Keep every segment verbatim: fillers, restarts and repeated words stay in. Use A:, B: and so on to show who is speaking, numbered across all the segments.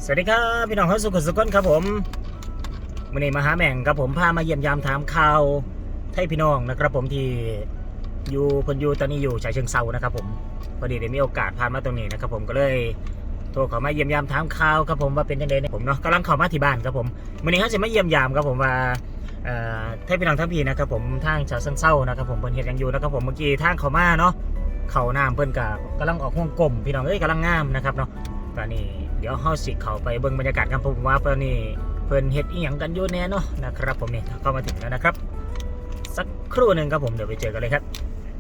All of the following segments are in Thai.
A: สวัสดีครับพี่น้องเขาสุขสุขคนครับผมวันนี้มาหาแม่งครับผมพามาเยี่ยมยามถามข่าวให้พี่น้องนะครับผมที่อยู่พนอยู่ตอนนี้อยู่ฉะเชิงเซานะครับผมพอดีได้มีโอกาสผ่านมาตรงนี้นะครับผมก็เลยโทรเข้ามาเยี่ยมยามถามข่าวครับผมว่าเป็นยังไงเนี่ยผมเนาะกำลังเข้ามาที่บ้านครับผมวันนี้เขาจะมาเยี่ยมยามครับผมว่าเอ่อให้พี่น้องทั้งพี่นะครับผมทางฉะเชิงเซานะครับผมเพิ่นเฮ็ดยังอยู่นะครับผมเมื่อกี้ทางเข้ามาเนาะเข้าน้ำเพิ่นก็กำลังออกห่วงกลมพี่น้องเอ้ยกำลังงามนะครับเนาะตอนนี้เดี๋ยวเฮาสิเข้าไปเบิ่งบรรยากาศกันผมว่าตอนนี้เพิ่นเฮ็ดอีหยังกันอยู่แน่เนาะนะครับผมนี่เข้ามาถึงแล้วนะครับสักครู่หนึ่งครับผมเดี๋ยวไปเจอกันเลยครับ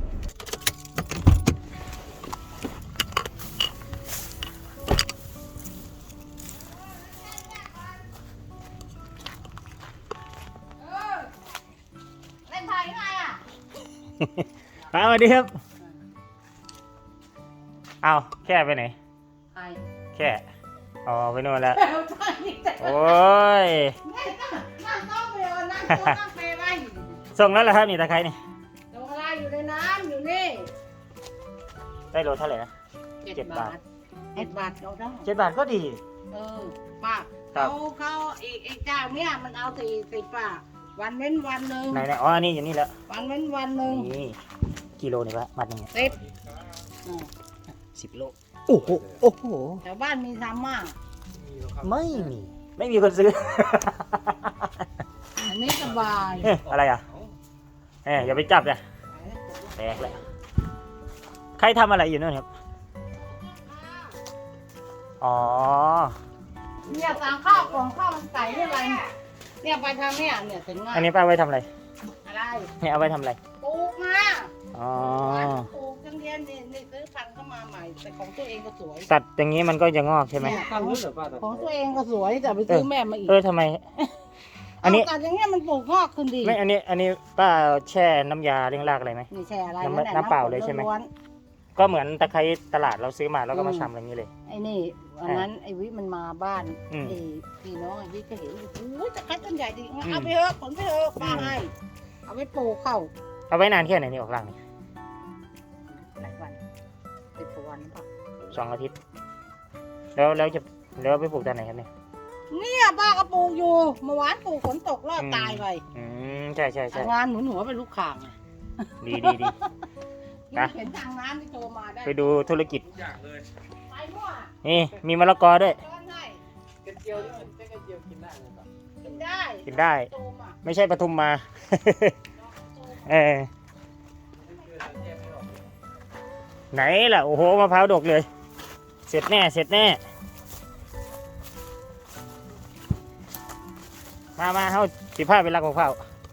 B: เล่นไพ่ไงอ่ะ
A: สวัสดีครับเอาแค่ไปไหน
B: ไพ่
A: แค่อ๋อไปโน่นแล้ว
B: แปลว่าไพ่แต่
A: โอ้ย
B: นั่งต้องไปเอานั่งตัวนั่งไปไร
A: ส่งแล้วเหรอครับนี่ตะไคร้นี่
B: ลงอะไรอยู่ในน้ำอยู่นี่
A: ได้โลเท่าไหร่นะ
B: เจ็ด
A: เจ็ด
B: บา
A: บา
B: ท
A: ท
B: เจ็ดบาทเราได้
A: เจ็ดบาทก็ดี
B: เออป้า
A: ครับ
B: เขาเขาอีกอีกเจ้าเนี่ยมันเอาสี่สิบป้าวันเว้นวันหนึ่ง
A: ไหนไหนอ๋ออันนี้อยู่นี่แล้ว
B: วันเว้นวันหนึ่ง
A: นี่กิโลนี่ปะมัดหนึงเนี่ย
B: สิบอืม
A: สิบโลโอ้โหโอ้โห
B: แถวบ้านมีทำมาก
A: ไม่มีไม่มีคนซื้อ
B: อันนี้สบาย
A: เอ๊ะอะไรอ่ะเอ๊ะอย่าไปจับเลยแตกเลยใครทำอะไรอยู่นั่นครับอ๋อ
B: เนี่ยสั่งข้าวกล่องข้าวมันไก่นี่อะไรเนี่ยไปทางเนี่ยเนี่ยถึงง่าย
A: อันนี้ป้าไว้ทำอะไร
B: อะไร
A: เนี่ยเอาไว้ทำอะไร
B: ปลูกมา
A: อ๋อ
B: ปลูกจังเรียนนี่นี่ซื้อพันธุ์เข้ามาใหม่แต่ของตัวเองก็สวย
A: ตัดอย่างนี้มันก็จะงอกใช่ไหม
B: เนี่ยของของตัวเองก็สวยแต่ไปซื้อแม่มาอีก
A: เออทำไม อันนี้
B: เาแต่อย่างเงี้ยมันปลูกงอกขึ้นดี
A: ไม่อันนี้อันนี้ป้าแช่น้ำยาเลี้ยงรากอะไรไหม
B: นี่แช่อะไร
A: น้ำ
B: นั่นแหละ
A: น้ำเปล่าเลยใช่ไหม
B: ล้วน
A: ก็เหมือนตะไคร้ตลาดเราซื้อมาแล้วก็มาชำอะไรอย่างนี้เลย
B: ๆไอ้นี่วันนั้นไอ้วิมันมาบ้าน
A: อืม
B: ไอ้พี่น้องไอ้วิก็เห็นโอ้ยตะไคร้ต้นใหญ่ดีงั้น
A: อืม
B: เอาไปเถอะผลไปเถอะป้า
A: อืม
B: ให้เอาไปปลูกเข้า
A: เอาไว้นานแค่ไหนนี่ออกรากนี่
B: หลายวันสิบกว่าวันป่ะ
A: สองอาทิตย์ แล้วแล้วจะแล้วไปปลูกตอนไหนครับเนี่ย
B: เนี่ยป้าก็ปลูกอยู่เมื่อวานปลูกฝนตกรอดตายไป
A: อืมใช่ใช่ใช่
B: งานหนุนหัวเป็นลูกข่างไง
A: ดีดีดี นะ
B: เห็นทางน้ำที่โทรมาได้
A: ไปดูธุรกิจ
B: ไปมั่ว
A: นี่มีมะละกอด้วย
B: ช้อนให้
C: กระเจียวนี่มันใช้กระเจียวกินได้ไหมครับ
B: กินได้
A: กินได้
B: โตมา
A: ไม่ใช่ปทุมมา เออไหนล่ะโอ้โหมะพร้าวดกเลย เสร็จแน่เสร็จแน่มามาเฮาสิผ้าไปรักมะพร้าว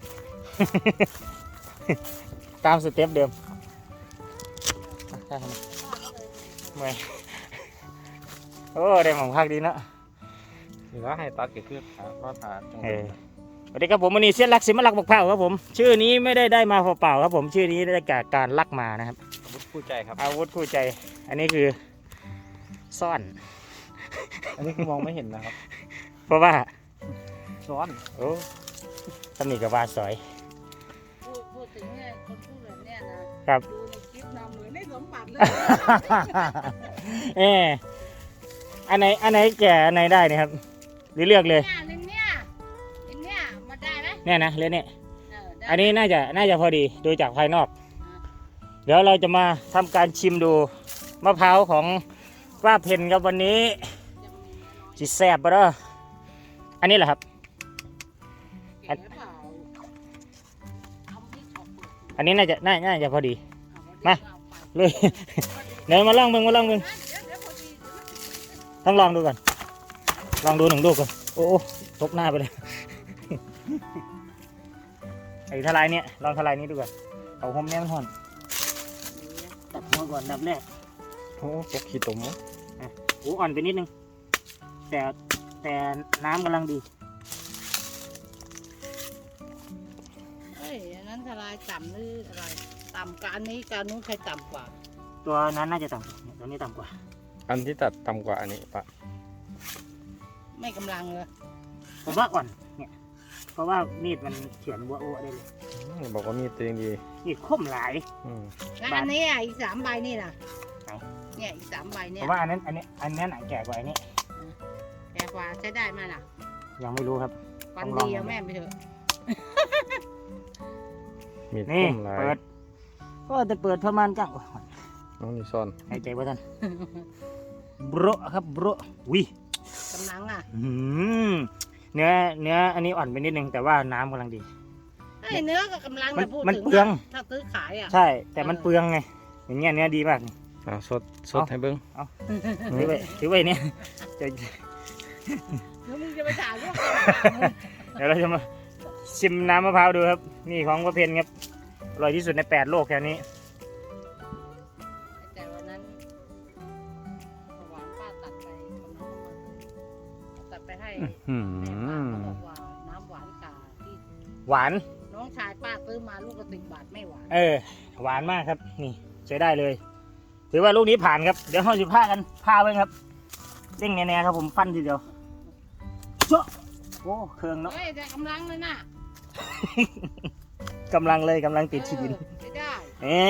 A: ตามสเต็ปเดิมอ่ะได้ครับเมื่อยโอ้ได้หมองพักดีเนอะ
C: หรือว่าให้ตัดเกิดขึ้นครับรอดผ่านจังห
A: เอ
C: วะ
A: อสวัสดีครับผมวันนี้เสียนรักสิมารักมะพร้าวครับผม ชื่อนี้ไม่ได้ได้มาเปล่าๆครับผมชื่อนี้ได้จากการลักมานะครับ
C: อาวุธคู่ใจครับ
A: อาวุธคู่ใจ อันนี้คือซ่อน
C: อันนี้คือมองไม่เห็นนะครับ
A: เพราะว่า
C: ซ้อน
A: โอ้ตำหนิกับวาสอย
B: พูดพูดถึงเนี่ยคนพูดแบบเนี้ยนะครับ ดูในคลิปนะเหมือนได้สมบัติเลย
A: เอออันไหนอันไหนแก่อันไหนได้เนี่ยครับหรือเลือกเลย
B: เนี่ยเนี่ยเนี่ยมาได้ไหม
A: เนี่ยนะเลือกเนี่ย
B: เออได้
A: อันนี้น่าจะน่าจะพอดีดูจากภายนอก เดี๋ยวเราจะมาทำการชิมดูมะพร้าวของป้าเพนครับวันนี้จิแซบปะเด้ออันนี้แหละครับ
B: เก๋เปล่าเอาที่ช็อปเปิด
A: อันนี้น่าจะน่าน่าจะพอดี
B: เอา
A: มา เลย เดี๋ยวมาลองมึงมาลองมึง
B: เดี๋ยวเดี๋ยวพอดี
A: ต้องลองดูก่อนลองดูหนึ่งลูกก่อนโอ้โหตบหน้าไปเลย ไอ้ทลายเนี่ยลองทลายนี้ดูก่อนเอาหอมเนี่ยมันห่อนตัดหัวก่อนดับแรก
C: โอ้ตกขี้ตุ่ม
A: โอ้อ่อนไปนิดนึงแต่แต่น้ำกำลังดี
B: เอ้ยอันนั้นทลายต่ำหรืออะไรต่ำกับอันนี้กับอันนู้นใครต่ำกว่า
A: ตัวนั้นน่าจะต่ำกว่าเนี่ยตัวนี้ต่ำกว่า
C: อันที่ตัดต่ำกว่าอันนี้ปะ
B: ไม่กำลังเลย
A: ผมว่าอ่อนเนี่ยเพราะว่ามีดมันเฉือนวัวโอ้ได้เลย
C: อืมบอกว่ามีตัวเองดี
A: มีดคมหลาย
C: อืม
B: แล้วอันนี้อ่ะอีกสามใบนี่ล่ะ
A: ไหน
B: เนี่ยอีกสามใบ
A: ผ
B: เนี่ย
A: มว่าอันนั้นอันนี้อันนี้หนังแก่กว่าอันนี้
B: แกแต่กว่าใช้ได้ไหมล่ะ
A: ยังไม่รู้ครับ
B: วัน
A: ต้องลอง
B: ดีเอาแม่ไปเถอะ
C: มีด
A: นี่
C: คมหลาย
A: เปิดก็จะเปิดประมาณจัง
C: น้องนี่ซ่อน
A: หายใจว่าท่านบรครับบรวิ
B: กำลังอ่ะ
A: อื้อหือเนื้อเนื้ออันนี้อ่อนไปนิดนึงแต่ว่าน้ำกำลังดี
B: ไอ้เนื้อกับกำลัง
A: มัน
B: จะพูด
A: มัน
B: ถึง
A: เปลือง
B: ะถ้าซื้อขายอ่ะ
A: ใช่ แต่มันเปลืองไง อย่างเงี้ยเนื้อดีมากนี่
C: อ่าสดสด
A: เอา
C: ให้เบิ้ง
A: ถือไว้ถือไว้เนี่ยจะ
B: แล้วมึงจะไปด่าลูก
A: เดี๋ยวเราจะมาชิมน้ำมะพร้าวดูครับ นี่ของประเพณครับอร่อยที่สุดในแปดโลกแถวนี้
B: แต่วันนั้นหวานป้าตัดไปกับน้องมันตัดไปให้
C: อื
B: แม่ป้าเขาบ
C: ม
B: อกว่าน้ำหวานกาที่
A: หวาน
B: น้องชายป้าซื้อมาลูกกระติกบาทไม่หวาน
A: เออ หวานมากครับ นี่ใช้ได้เลย ถือว่าลูกนี้ผ่านครับ เดี๋ยวเราจะผ้ากันผ้าไว้ครับเด้งแน่ๆครับผมฟันทีเดียวโจ๊ะโอ้เครื่องเนาะ
B: เฮ้ยแต่กำลังเลยน่ะ
A: กำลังเลยกำลังติดชีดิน
B: เออไม่ได้
A: เอ๊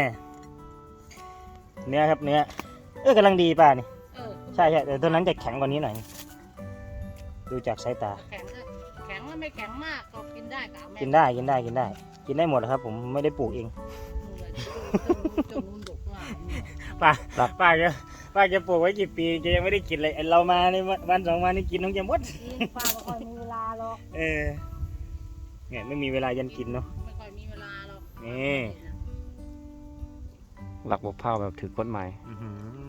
A: เนื้อครับเนื้อเออกำลังดีป่ะนี่
B: เออ
A: ใช่ใช่แต่ตัวนั้นจะแข็งกว่านี้หน่อย ดูจากสายตา
B: แข็งก็แข็งแล้วไม่แข็งมากก็กินได้กับแม่
A: กินได้กินได้กินได้ กินได้หมดครับ ผมไม่ได้ปลูกเอง
B: จนนุ่นดกว่า
A: ป้าป้าแกป้าแกปลูกไว้กี่ปีแกยังไม่ได้กินเลยไอ้เรามาในวันสองวันนี้กินทั้งจะหมด
B: กินป้าไม่ค่อยมีเวลาหรอก
A: เออเนี่ยไม่มีเวลายันกินเนาะ
B: ไม่ค่อยมีเวลาหรอก
A: นี่
C: หลักบกเผาแบบถือกฎหมาย
A: อื้อหือ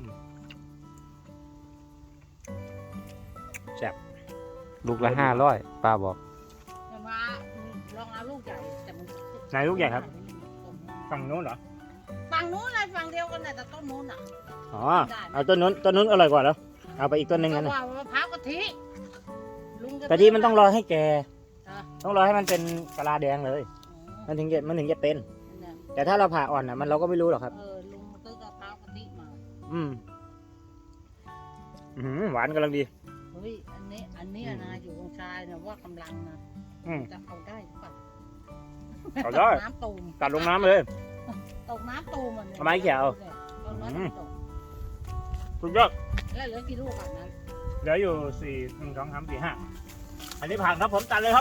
A: แซ่บ
C: ลูกละห้าร้อยป้าบอก
B: แต่ว่าลองเอาลูกใหญ่แต่มัน
A: ไหนลูกใหญ่ครับฝั่งนู้นเหรอ
B: ฝั่งนู้นเลยฝั่งเดียวกันน่ะแต่ต้นนู้นอ่ะ
A: อ๋อเอาต้นนู้นต้นนู้นอร่อยกว่าแล้วเอาไปอีกต้นหนึ่ง
B: ก็
A: กันนะ
B: ว่ามะพร้าวกะทิลุงจะ
A: แต่ที่มันต้องรอให้แก
B: อ่ะ
A: ต้องรอให้มันเป็นกะลาแดงเลย มันถึงจะมันถึงจะเป็น
B: เนี่ย
A: แต่ถ้าเราผ่าอ่อนอ่ะมันเราก็ไม่รู้หรอกครับ
B: เออลุงซื้อกะเพรากะทิมา
A: อืมอื้อหือหวานกำลังดี
B: เฮ้ยอันนี้อันนี้นะอยู่ตรงชายนะว่ากำลังนะ
A: อืม
B: จะเอาได้หรือเปล่า
A: เอาได้
B: น้ำตูม
A: ตัดลงน้ำเลย
B: ตกน้ำตูมอ่ะเนี่ย
A: เอาไม้เขียว
B: ต้นนั้น
A: อืม
B: ตก
A: สุดยอด
B: แล้วเหลือกี่ลูกอ่ะนั้น
A: เหลืออยู่สี่หนึ่งสองสามสี่ห้าอันนี้ผ่านครับผมตัดเลยครับ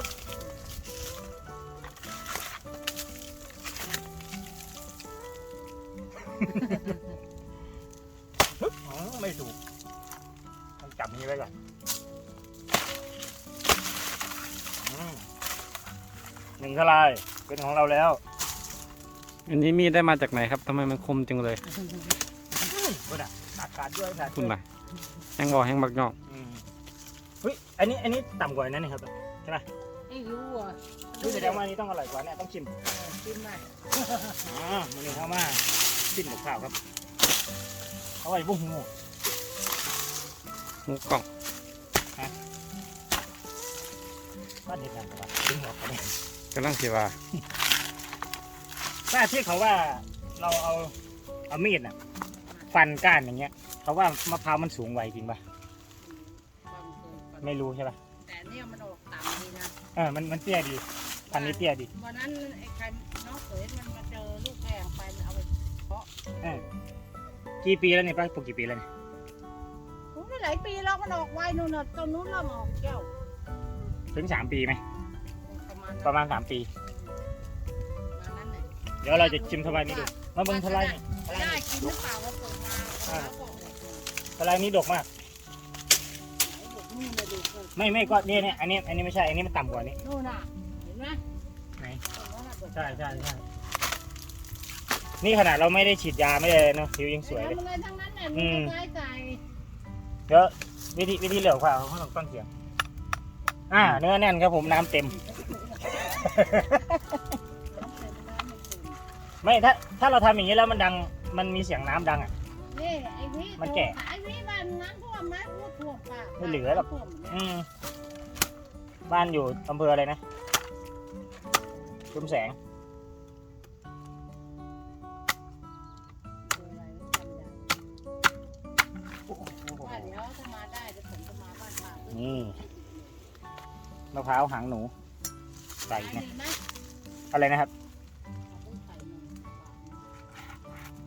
A: อ๋อไม่ถูกต้องจับนี้ไว้ก่อนอืมหนึ่งทลายเป็นของเราแล้ว
C: อันนี้มีดได้มาจากไหนครับทำไมมันคมจังเลย
A: ก็ได้ตัดขาดด้วยขาด
C: คุณ
A: ด้วย
C: น่ะแห้งบอกแห้งบักยอก
A: อืมเฮ้ยอันนี้อันนี้ต่ำกว่านั้นนี่ครับ
B: ไม่รู้อ่ะ
A: ดูแสดงว่าอันนี้ต้องอร่อยกว่าเนี่ยต้องชิม
B: กินไหม
A: อ๋อมันนี่เข้ามาชิมกับข้าวครับเอาไว้บุ้งหู
C: หมูกล่อง
A: บ้านเด็ดนั่นครับดึงออกไปเนี่ย
C: กำลังสิว่า
A: ถ้าที่เขาว่าเราเอาเอามีดน่ะฟันก้านอย่างเงี้ย เขาว่ามะพร้าวมันสูงไวจริงป่ะ
B: ความเคยความ
A: ไม่รู้ใช่ป่ะ
B: แต่เนี่ยมันออกต่ำดีนะ
A: เออมันมันเตี้ยดีพันนี้เตี้ยดี
B: วันนั้นไอ้ใครน้องเขยมันมาเจอลูกแพงไปเอาไปเพาะ
A: เออกี่ปีแล้วเนี่ยป้าปลูกกี่ปีแล้วเนี่ย
B: โอ้ยหลายปีแล้วมันออกไวนู่นน่ะต้นนู้นเริ่มออกแก้ว
A: ถึงสามปีไหม
B: ประมาณ
A: ประมาณสามปี
B: ประมาณนั้นเลย
A: เดี๋ยวเราจะชิมทลายนี้ดูมาเบิ่งทลายนี่ทลาย
B: ได้
A: นี่
B: กินหรือเปล่าว่าเปิดมาแล้วก็ออกเลย
A: ทลายนี้ดกมาก
B: ไหนบอกนู่นเลยดูเปิด
A: ไม่ไม่ก็เนี่ยเนี่ยอันนี้อันนี้ไม่ใช่อันนี้มันต่ำกว่านี้
B: นู่นน่ะเห็นไหม
A: ไหน
B: ตรงนั้นน่ะดก
A: ใช่ใช่ใช่นี่ขนาดเราไม่ได้ฉีดยาไม่ได้เนาะผิวยังสวยเลย
B: ทำอะไรทั้งนั้นน่ะ
A: อื
B: มี
A: ม
B: กระจายใส่
A: เดี๋ยววิธีวิธีเหลือกว่าเขาต้องตั้งเสียงอ่าเนื้อแน่นครับผมน้ำเต็ม ไม่ถ้าถ้าเราทำอย่างนี้แล้วมันดังมันมีเสียงน้ำดังอ่ะ
B: นี่ไอ้วิ
A: มันแก่
B: ไอ้วิมันน้ำท่วมไหมพูดท่วมป่ะ
A: ไม่เหลือหรอก
B: ท่วมเนี่ย
A: อืมบ้านอยู่อำเภออะไรนะชุมแสง
B: อะไรจำได้ว่าเดี๋ยวถ้ามาได้เดี๋ยวผมจะมาบ้านป้า
A: นี่มะพร้าวหางหนูใส่
B: ขาย
A: เนี่ย
B: ดีไหม
A: อะไรนะครับ
B: เอาไปใส่หนึ่งบาทหนึ่ง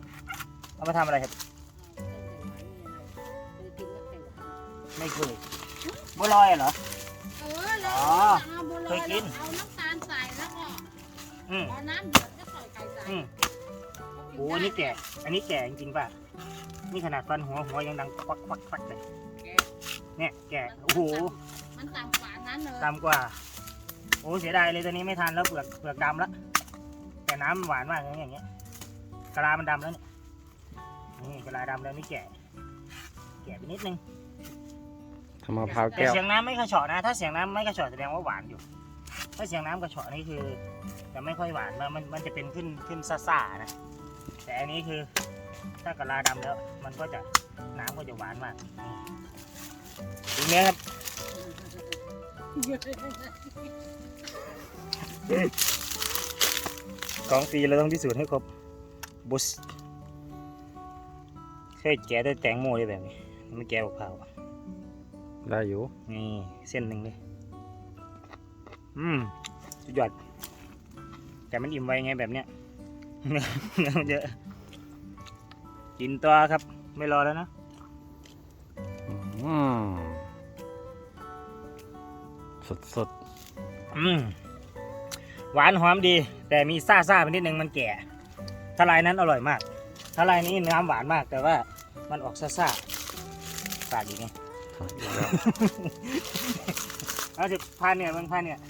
A: เอามาทำอะไรครับ
B: เอาต้นไข่หวานมีอะไรเคยกินแล้วไข่หวาน
A: ไม่เคยบัวลอยเหรอ
B: เออแล้ว
A: อ๋อ
B: เอาบัวล
A: เค
B: อย
A: ยกิน
B: เอาน้ำตาลใส่แล้วก็
A: อืม
B: พอน้ำเดือดก็ใส่ไก่ใส่
A: อืมโอ้อันนี้แก่ อันนี้แก่จริงๆป่ะ นี่ขนาดฟันหัวหัวยังดังควักควักควักเลย
B: แกะ
A: เนี่ยแก่ โอ้โห
B: มันต่ำกว่านั้นเลย
A: ดำกว่า โอ้เสียดายเลยตัวนี้ไม่ทันแล้วเปลือกเปลือกดำแล้วแต่น้ำหวานมากอย่างเงี้ยกะลามันดำแล้วเนี่ยนี่กะลาดำแล้วนี่แก่ แก่ไปนิดนึง
C: ทำมะพร้าว
A: แต่
C: แก้ว
A: เสียงน้ำไม่กระเฉาะนะ ถ้าเสียงน้ำไม่กระเฉาะแสดงว่าหวานอยู่ ถ้าเสียงน้ำกระเฉาะนี่คือจะไม่ค่อยหวานมันมันมันจะเป็นขึ้นขึ้นซ่าๆนะ แต่อันนี้คือถ้ากะลาดำแล้ว มันก็จะน้ำก็จะหวานมากนี่ดูเนื้อครับ ของฟรีเราต้องพิสูจน์ให้ครบบุสเคยแกะด้วยแตงโมได้แบบนี้ไม่แกะกับเผาว
C: ได้อยู่
A: นี่เส้นหนึ่งเลยอืมสุดยอดแต่มันอิ่มไวไงแบบเนี้ย เนื้อเนื้อมันเยอะกินตัวครับไม่รอแล้วนะ
C: อืมสดสด
A: อืมหวานหอมดี แต่มีซ่าซ่าๆไปนิดนึงมันแก่ทลายนั้นอร่อยมากทลายนี้น้ำหวานมาก แต่ว่ามันออกซ่าซ่าๆสาดอีกไง
C: ๆอีกแล้ว
A: เอาสิพาเนี่ยมึงพาเนี่ย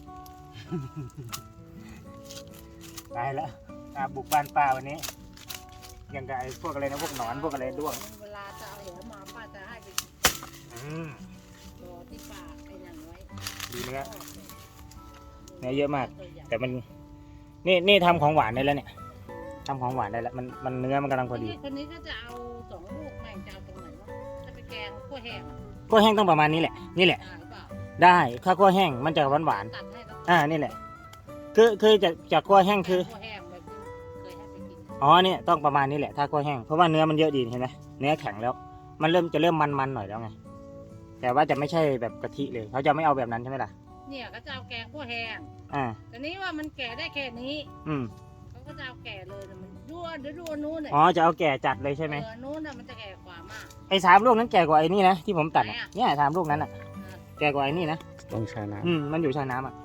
A: ตายแล้วอ่ะบุกบ้านป้าวันนี้ยังกับไอ้พวกอะไรนะพวกหนอนพวกอะไรด้วง
B: เวลาจะเอาเหวมาป้าจะให้ไป
A: อืม
B: รอที่ป่าไอ้นั่นไว้
A: ดีเนื้อ เนื้อเยอะมาก แต่มันนี่นี่ทำของหวานได้แล้วเนี่ยทำของหวานได้แล้วมันมันเนื้อมันกำลังพอดี
B: คนนี้ก็จะเอาสองลูกแม่งจะเอาตรงไหนวะจะไปแกงขั้วแห้งอะ
A: กล้วยแห้งต้องประมาณนี้แหละนี่แหละ
B: ได้เปล่า
A: ได้ข้าวกล้วยแห้งมันจะหวานหวาน
B: ตัดให้แล้ว
A: ๆอ่านี่แหละคือคือจะจากกล้วยแห้งคือ
B: ขั้วแห้งแบบที่เคยให้ไปกิน
A: อ๋อเนี่ยต้องประมาณนี้แหละถ้ากล้วยแห้งเพราะว่าเนื้อมันเยอะดีเห็นไหมเนื้อแข็งแล้ว มันเริ่มจะเริ่มมันๆหน่อยแล้วไงแต่ว่าจะไม่ใช่แบบกะทิเลยเขาจะไม่เอาแบบนั้นใช่ไหมล่ะ
B: เนี่ยก็จะเอาแกงขั้วแห้ง
A: อ่า
B: แต่นี้ว่ามันแก่ได้แค่นี้
A: อืม
B: เขาก็จะเอาแก่เลยนะมันด้วนเดี๋ยวดูอันนู้นเนี่ย
A: อ๋อจะเอาแก่จัดเลยใช่ไหม
B: เออนู้นน่ะมันจะแก่กว่ามาก
A: ไอ้สามลูกนั้นแก่กว่าไอ้นี่นะที่ผมตัด
B: ไหน
A: อะ
B: อะ
A: เนี่ยสามลูกนั้นอ่ะ
B: อ่ะ
A: แก่กว่าไอ้นี่นะ
C: ต้องใช้น้
A: อืมมันอยู่ชายน้ำอ่ะ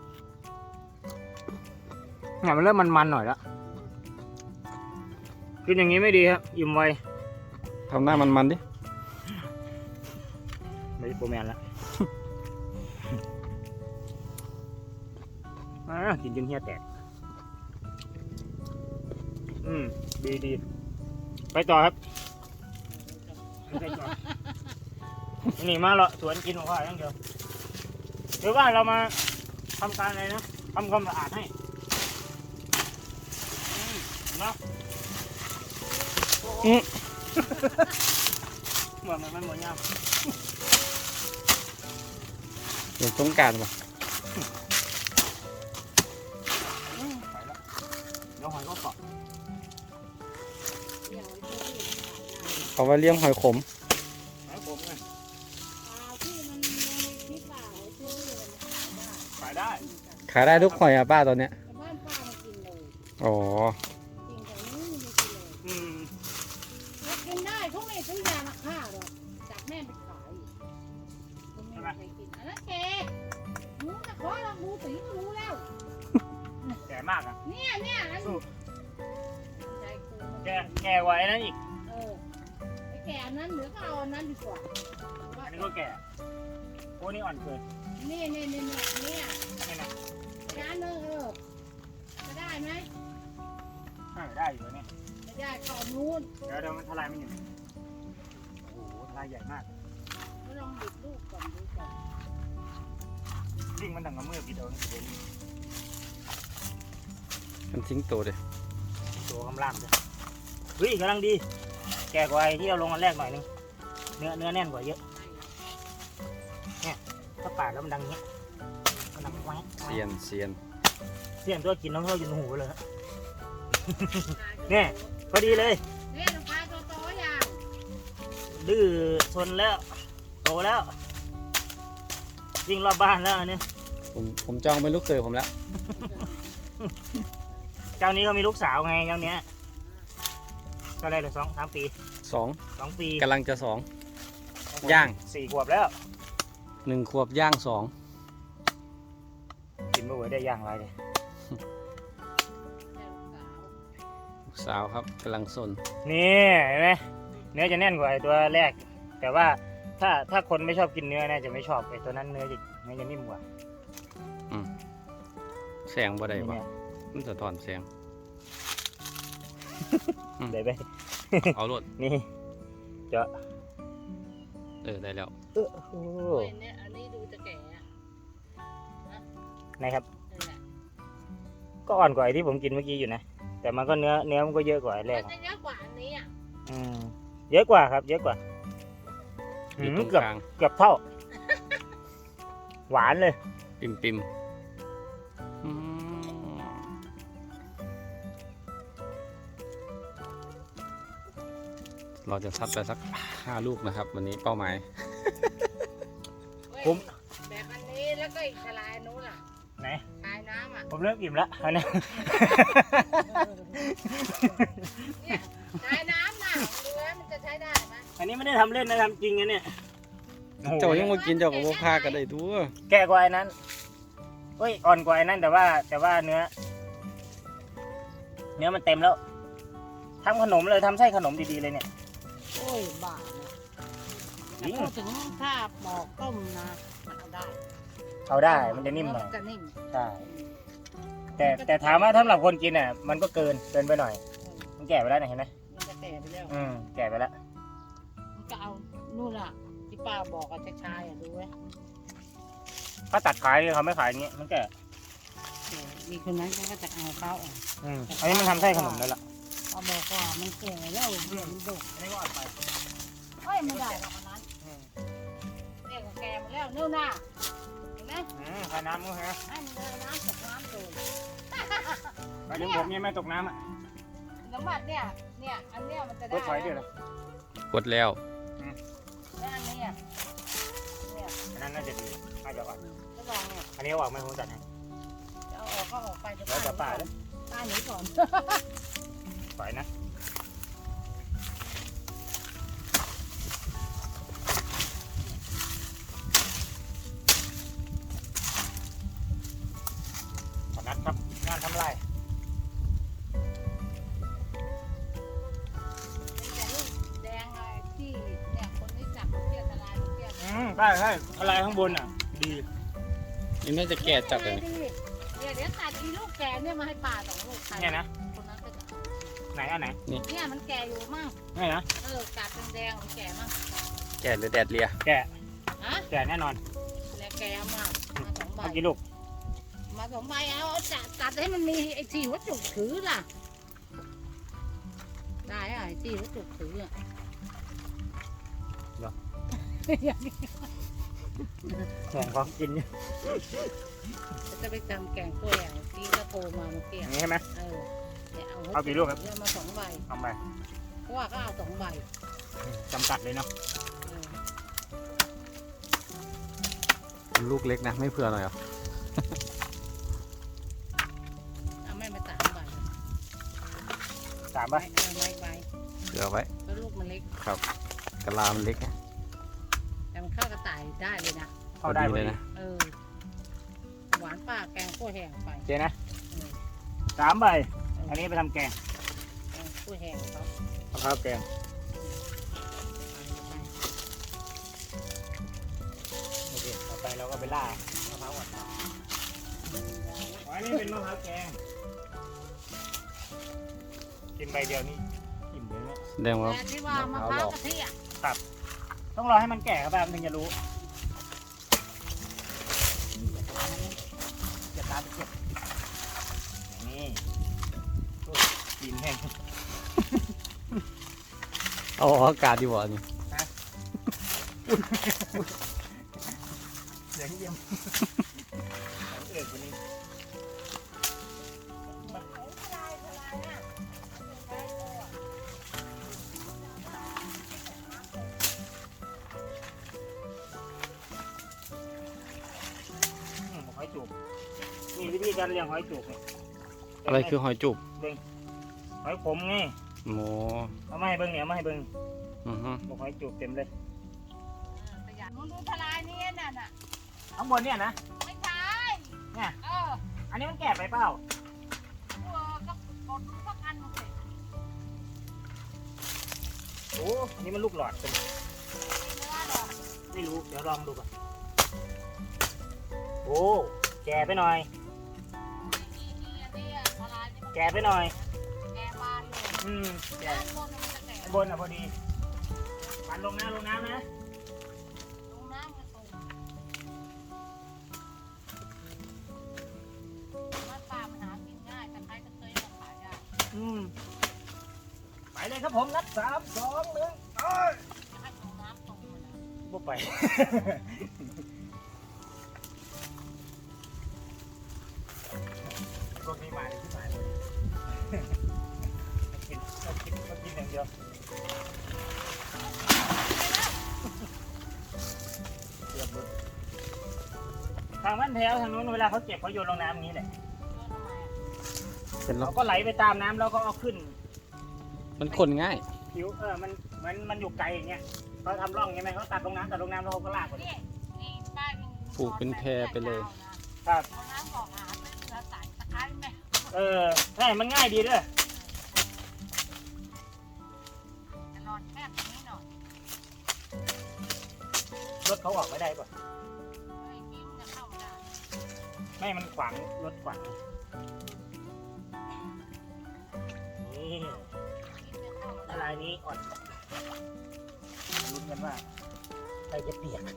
A: เนี่ยมันเริ่มมันๆหน่อยแล้วกินอย่างนี้ไม่ดีครับอิ่มไว
C: ำทำหน้ามันมันๆดิ
A: ไม่ใช่โปรแมนแล้ว อ่ากินจนเหี้ยแตกอืมดีดีไปต่อครับไปต่อ นี่มาเราะสวนกินของข้าอย่างเดียวหรือว่าเรามาทำการอะไรนะทำความสะอาดให้อืมเห็นไหมอืม เหมือนมันมันเหมือนยาม
C: เดี๋ยวต้องการป่ะ
A: อืมไปแล้วเดี๋ยวหอยก็เกาะ
B: เดี๋ยวไอ้ที่
C: เอาไว้เลี้ยงหอยขม
A: หอยผมไง
B: ปลาที่มันในคลิปป่าไอ้ที่นี่มันขายได้
A: ขายได้
C: ขายได้ทุกหอยอ่ะป้าตอนเนี้ย
B: แต่บ้านป้ามันกินเลย
C: อ๋อ
B: กินแต่นี้มันไม่กินเลย
A: อืม
B: แล้วกินได้เขาไม่ซื้อยามาฆ่าหรอกจากแม่ไปขายคุณไม่มีใครกินอันนั้นแกหนูจะขอลองดูสีก็รู้แล้ว
A: แก่มากอ่ะ
B: เนี่ยเนี่ยอัน
A: สู้
B: ใจกู
A: แก่แก่กว่าไอ้นั้นอีก
B: เออไอ้แกอันนั้นเหลือก็เอาอันนั้นดีกว่า
A: อันนี้ก็แก่โอ้นี่อ่อนเกิน
B: นี่นี่นี่นี่เนี่ย
A: อันนี้นะ
B: จานหนึงเออจะได้ไหม
A: อ่าได้อยู่เนี่ย
B: ไม่ได้ก่อนนู้น
A: เดี๋ยวเดี๋ยวมันทลายมันอยู่โอ้โหทลายใหญ่มาก
B: ก็ลองบิดลูกก่อนดูก่อน
A: ยิ่งมันดังกับมือบิดเอาเนี่ยเดี๋ยวนี้
C: มันทิ้งตัวเลย
A: ตัวกำลังเลยเฮ้ยกำลังดี แก่กว่าไอ้ที่เราลงอันแรกหน่อยนึงเนื้อเนื้อแน่นกว่าเยอะถ้าปาดแล้วมันดังอย่างเงี้ยมันดังแหวะแหวะ
C: เซียนเซียน
A: เสียงตัวกินน้องเท่ากินหูเลยฮะ เนี่ย พอดีเลย
B: เนี่ยลูกค้าโตๆอย่าง
A: ดื้อทนแล้ว โตแล้ววิ่งรอบบ้านแล้วอันนี้
C: ผมผมจองเป็นลูกเขยผมแล้ว
A: เจ้านี้เขามีลูกสาวไงเจ้าเนี้ยก็ได้เลยสองสามปี
C: สอง
A: สองปี
C: กำลังจะสอง ย่าง
A: สี่ขวบแล้ว
C: หนึ่งขวบย่างสอง
A: กินเมื่อไหร่ได้ย่างไรเลย
C: ลูกสาวครับกำลังสน
A: นี่เห็นไหมเนื้อจะแน่นกว่าไอ้ตัวแรก แต่ว่าถ้าถ้าคนไม่ชอบกินเนื้อน่าจะไม่ชอบไอ้ตัวนั้นเนื้อจะเนื้อจะนิ่มกว่า
C: แสงบ่ได้วะ
A: เนี่ย
C: มันจะถอนแสง อืม
A: ได้ไหม
C: เอารถ
A: นี่เจาะ
C: เออได้แล้ว
A: เออโอ้
B: โอ้ยเนี่ยอันนี้ดูจะแก่อะ
A: นะครับ
B: นี่แหละ
A: ก็อ่อนกว่าไอ้ที่ผมกินเมื่อกี้อยู่นะ แต่มันก็เนื้อเนื้อมันก็เยอะกว่าไอ้แร
B: มั
A: ก
B: นจะเยอะกว่าอันนี้อ่ะ
A: อืมเยอะกว่าครับ เยอะกว่า
C: อยู่
A: หื
C: ตร
A: ม
C: ง
A: เกือบ
C: กลาง
A: เกือบเท่า หวานเลย
C: ปิมปิมอืมเราจะซัดไปสักห้าลูกนะครับ วันนี้เป้าหมาย
B: เว้ย
A: ผม
B: แบบอันนี้แล้วก็อีกทลายนู้นอ่ะ
A: ไหน
B: ทลายน้ำอ่ะ
A: ผมเริ่มอิ่มแล้วอันนี้
B: เนี่ยทลายน้ำน่ะดูแล้วมันจะใช้ได้ไหม
A: อันนี้ไม่ได้ทำเล่นนะทำจริงนะเนี่ยโอ้โห
C: เจ้ายังมากินเจ้ากับพวกพากันได้ทั่ว
A: แก่กว่าไอ้นั้นเฮ้ยอ่อนกว่าไอ้นั้นแต่ว่าแต่ว่าเนื้อ เนื้อมันเต็มแล้วทำขนมเลยทำไส้ขนมดีๆเลยเนี่ย
B: โอ้ยบ้าเนี่ย
A: จริง
B: แต่พูดถึงถ้าปอกต้มนะมันเอาได้
A: เอาได้มันจะนิ่มหน่อย
B: มันจะนิ่ม
A: ใช่แต่แต่ถามว่าสำหรับคนกินอ่ะ มันก็เกินเกินไปหน่อย มันแก่ไปแล้วนะเห็นไหม
B: มันจะแก่ไปแล้ว
A: อืมแก่ไปแล้ว
B: มันก็เอานู่นอ่ะที่ป้าบอกกับชายๆอ่ะดูไว้
A: ถ้าตัดขายเขาไม่ขายอย่างงี้มันแก่
B: เออมีคนนั้นเขาก็จะเอาเขาอ่ะ
A: อืมอันนี้มันทำไส้ขนมแล้วล่ะ
B: เขาบอกว่ามันแก่แล้วเดี๋ยวมันดุ
A: อันนี้ก็อ่อนไป
B: เฮ้ยไม่ได้หรอกอันนั้น
A: อืม
B: เรียกว่าแก่มาแล้วนู่นน่ะเห็นไหม
A: อืมขายน้ำมั้งฮะ
B: ให้มันเดินน้ำตกน้ำเลย
A: ไปถึงผมยังไม่ตกน้ำอ่ะ
B: น้ำมันเนี่ยเนี่ยอันเนี้ยมันจะ
A: ร
B: ได้
A: ถถอยด้วยเหรอก
C: ดแล้ว
B: แล้วอันนี้อ่ะเนี่ย
A: อันนั้นน่าจะดีน่าจะอ่อน
B: ก็ลองเนี่ย
A: อันนี้เอาออกไหม่ผมจัดให้
B: จะเอาออกก็ออกไปจะ
A: แล้วแต่ป่าเลย
B: ป้าหนีก่อน
A: ปล่อยนะขอนัดครับงานทำลาย
B: แต่ลูกแดงอะไรที่เนี่ยคนที่จับลูกเกี้ยทลายลูกเกี้ย
A: อืมใช่ใช่อะไรข้างบนอ่ะ ดี
C: นี่น่าจะแก่จัดเลย
B: เดี๋ยวเดี๋ยวตัดอีลูกแก่เนี่ยมาให้ป่าสองลูกใคร
A: เนี่ยนะ
B: คนนั้นก็จะเอา
A: ไหนอันไหน
B: เนี่ยมันแก่อยู่มั่ง
A: นี่นะ
B: เออกัดแดงๆมันแก่มั่ง
C: แก่หรือแดดเลีย
A: แกะ
B: ฮะ
A: แกะแน่นอน
B: แล้วแก่มากมาสองใบ
A: เอากี่ลูก
B: มาสองใบเอาเอาจัดตัดให้มันมีไอ้ที่วัตถุถือล่ะ ได้อะไอ้ที่วัตถุถืออะ
A: ห่วงของกิน
B: จะไปทำแกงกล้วยอ่ะที่ก็โทรมาเมื่อกี้
A: อย่างนี้ใช่ไหม
B: เออเนี่ยเอา
A: เอากี่ลูกครับ
B: เอามาสองใบ
A: เอาไป
B: เพราะว่าก็เอาสองใบ
A: จำกัดเลยเนาะ
B: เออ
C: ลูกเล็กนะ ไม่เผื่อหน่อยเหรอ
B: เอาไม่มาสามใบ
A: สาม
B: ใบ
A: ป่ะ
B: เออไม่ใบ
C: เผื่อไว้
B: แล้วลูกมันเล็ก
C: กะลามันเล็กไง
B: แต่มันเข้ากระต่ายได้เลยนะ
A: เข้าได้
C: พอ
A: เล
C: เลย ย
A: นะ
C: นะ
B: เออ หวานป้าแกงกล้วยแห้งไป
A: เจนะ
B: เออ
A: สามใบ อันนี้ไปทำแกง
B: แกงกล้วยแห้งเขา
A: เอาข้าวแกงโอเคต่อไปเราก็ไปล่ามะพร้าวอ่อนอ๋ออันนี้เป็นมะพร้าวแกง กินใบเดียวนี่อิ่มเลยเนี่ย
C: แสดงว่า
B: แต่ที่ว่ามะพร้าวกะทิอ่ะ
A: ต้องรอให้มันแก่ครับแบบถึงจะรู้จะตามไปเก็บนี่โอ้ยกินแห้ง
C: เอาออกอากาศดีกว่านี่
A: เสียงเยี่ยมเสียงเอิดวันนี้อืมหอยจูบนี่วิธีการเลี้ยงหอยจูบเนี่ย
C: อะไรคือหอยจุบ
A: หอยขมไง
C: โม
A: เอามาให้เบิ้งเนี่ยเอามาให้เบิ้ง
C: อือฮึ
A: บอกหอยจูบเต็มเลย
B: ประหยัดมึงดูทลายนี่น่ะน่ะ
A: ข้างบนเนี่ยนะ
B: ไม่ใช่
A: เนี่ย
B: เออ
A: อันนี้มันแก่ไปเปล่า
B: เออก็กดสักอันหนึ่งสิ
A: โอ้อันนี้มันลูกหลอดเป็น
B: ไม่ได้หรอก
A: ไม่รู้เดี๋ยวลองดูก่อนโอ้แก่ไปหน่อย
B: มีมีอันนี้อะละลายนี่มัน
A: แก่ไปหน่อย
B: แกบานเลย
A: อืมแก่
B: ด้านบนน่ะมันจะแก่
A: ข้างบนอ่ะพอดีปันลงน้ำลงน้ำนะ
B: ลงน้ำมันตรงมันปลามันหากินง่ายแต่ใครจะเคยมาขายได้
A: อืมไปเลยครับผมนัดสามสองหนึ่งเอ้ย
B: จะให้ลงน้ำตรงมันนะ
A: บุกไป พวกนี้มาเลยที่มาเลยกินก็กินก็กินอย่างเดียวเกือบหมดทางบ้านแถวทางนู้นเวลาเขาเก็บเขาโยนลงน้ำอย่างนี้แหละ
B: เพื่อทำไมอะ
C: เป็นล็อ
A: เขา
C: ก
A: ก็ไหลไปตามน้ำแล้วก็เอาขึ้น
C: มันคนง่าย
A: ผิวเออมันเหมือนมันอยู่ไกลอย่างเงี้ยเขาทำร่องใช่ไหมเขาตัดลงน้ำตัดลงน้ำแล้วเขาก็ลากไป
B: นี่นี่ป้ายัง
C: ปลูกเป็นแพรไปเลย
A: ครับ
B: เอาน้ำบอกหาเป็นเสือใส่ตะไคร้ไหม
A: เออใช่มันง่ายดีด้วย
B: จะนอนแคบอย่างนี้หน่อย
A: รถเขาออกไม่ได้ป่ะ
B: ไอ้กิ้งจะเข้าไม่ได้
A: ไม่มันขวางรถขวางนี่
B: กิ้งจะเข้าไม่
A: ละ
B: ได้
A: ลายนี้อ่อนลุ้นกันว่าใครจะเปียก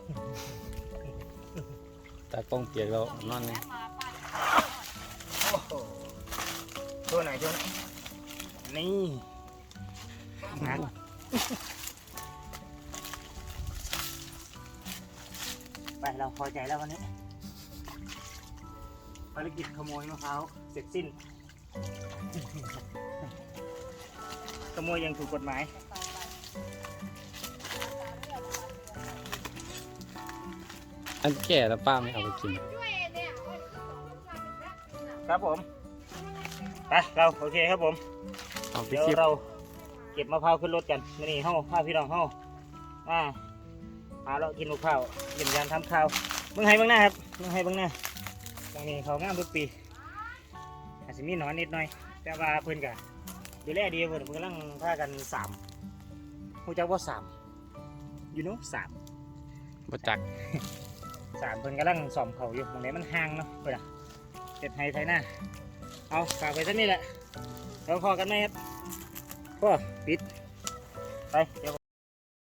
C: ตากล้องเปียกแล้วนอน
B: แวะ
C: นี่
B: มาป้าจะ
A: โอ้โหโชว์หน่อยโชว์หน่อยนี่นะไปเราพอใจแล้ววันนี้ภารกิจขโมยมะพร้าวเสร็จสิ้น ขโมยอยังถูกกฎหมาย
C: อันแก่แล้วป้าไม่เอาไปกิน
B: ด้วยเนี่ยโอ้ยสองคนเป็นแพ็คกินอ่ะ
A: ครับผมไปเราโอเคครับผม
C: เอาไป
A: เดี๋ยว
C: คลิป
A: เราเก็บมะพร้าวขึ้นรถกันนี่เฮ้าพาพี่น้องเฮ้าอ่าหาเรากินมะพร้าวเยี่ยมยามทำข้าวเมืองไห้เมืองหน้าครับเมืองไห้เมืองหน้าตรงนี้เขางามทุกปีอาจจะมีหนอนนิดหน่อย แต่ว่าเพื่อนกันดูแลดีเพื่อนเพื่อนกำลังพากันสามหูจักว่าสามอยู่นู้สาม
C: บจัก
A: สามเพิ่นกำลังซ่อมเขาอยู่ตรงไหนมันห่างเนาะเพื่อนอะเจ็ดไฮไทยหน้าเอาฝากไปสักนี่แหละเราพอกันไหมครับพ่อปิดไปเดี๋ยว